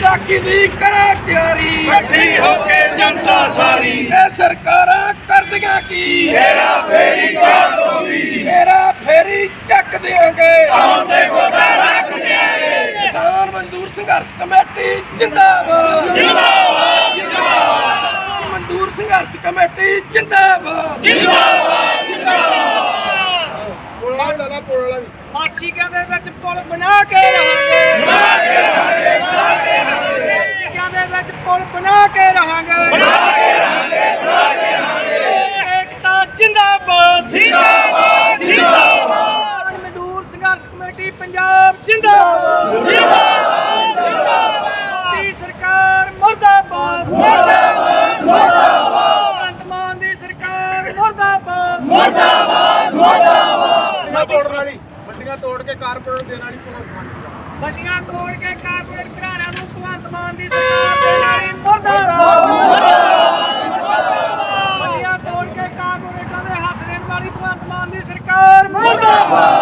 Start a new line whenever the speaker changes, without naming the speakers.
ਵਿਸਾਖੀ ਦੀ ਕਰਾਂ ਤਿਆਰੀ,
ਇਕੱਠੀ ਹੋ ਕੇ ਜਨਤਾ ਸਾਰੀ,
ਇਹ ਸਰਕਾਰਾਂ ਕਰਦੀਆਂ ਕੀ,
ਹੇਰਾ ਫੇਰੀ ਕਾਸੋਗੀ,
ਮੇਰਾ ਫੇਰੀ ਚੱਕ ਦਿਆਂਗੇ,
ਆਉਂਦੇ ਗੋਡਾ ਰੱਖ ਦਿਆਂਗੇ।
ਕਿਸਾਨ ਮਜ਼ਦੂਰ ਸੰਘਰਸ਼ ਕਮੇਟੀ ਜਿੰਦਾਬਾਦ,
ਜਿੰਦਾਬਾਦ ਜਿੰਦਾਬਾਦ
ਕਿਸਾਨ ਮਜ਼ਦੂਰ ਸੰਘਰਸ਼ ਕਮੇਟੀ ਜਿੰਦਾਬਾਦ,
ਜਿੰਦਾਬਾਦ ਜਿੰਦਾਬਾਦ।
ਮਾਛੀਕਿਆਂ ਦੇ ਵਿੱਚ ਪੁਲ ਬਣਾ ਕੇ ਰਹਾਂਗੇ,
ਬਣਾ ਕੇ ਰਹਾਂਗੇ, ਬਣਾ ਕੇ ਰਹਾਂਗੇ,
ਮਾਛੀਕਿਆਂ ਦੇ ਵਿੱਚ ਪੁਲ ਬਣਾ ਕੇ ਰਹਾਂਗੇ,
ਬਣਾ ਕੇ ਰਹਾਂਗੇ, ਬਣਾ ਕੇ ਰਹਾਂਗੇ।
ਏਕਤਾ ਜਿੰਦਾਬਾਦ,
ਜਿੰਦਾਬਾਦ ਜਿੰਦਾਬਾਦ
ਕਿਸਾਨ ਮਜ਼ਦੂਰ ਸੰਘਰਸ਼ ਕਮੇਟੀ ਪੰਜਾਬ ਜਿੰਦਾਬਾਦ,
ਜਿੰਦਾਬਾਦ ਜਿੰਦਾਬਾਦ
ਮੋਦੀ ਸਰਕਾਰ ਮੁਰਦਾਬਾਦ,
ਮੁਰਦਾਬਾਦ ਮੁਰਦਾਬਾਦ
ਭਗਵੰਤ ਮਾਨ ਦੀ ਸਰਕਾਰ ਮੁਰਦਾਬਾਦ,
ਮੁਰਦਾਬਾਦ ਮੁਰਦਾਬਾਦ।
ਤੋੜਨ ਵਾਲੀ ਮੰਡੀਆਂ ਤੋੜ ਕੇ ਕਾਰਪੋਰੇਟ ਦੇਣ ਵਾਲੀ
ਮੰਡੀਆਂ ਤੋੜ ਕੇ ਕਾਰਪੋਰੇਟ ਘਰਾਣਿਆਂ ਨੂੰ ਭਗਵੰਤ ਮਾਨ ਦੀ ਸਰਕਾਰ ਦੇ ਨਾਲ ਮੁਰਦਾਬਾਦ, ਮੰਡੀਆਂ ਤੋੜ ਕੇ ਕਾਰਪੋਰੇਟਾਂ ਦੇ ਹੱਥ ਦੇਣ ਵਾਲੀ ਭਗਵੰਤ ਮਾਨ ਦੀ ਸਰਕਾਰ ਮੁਰਦਾਬਾਦ।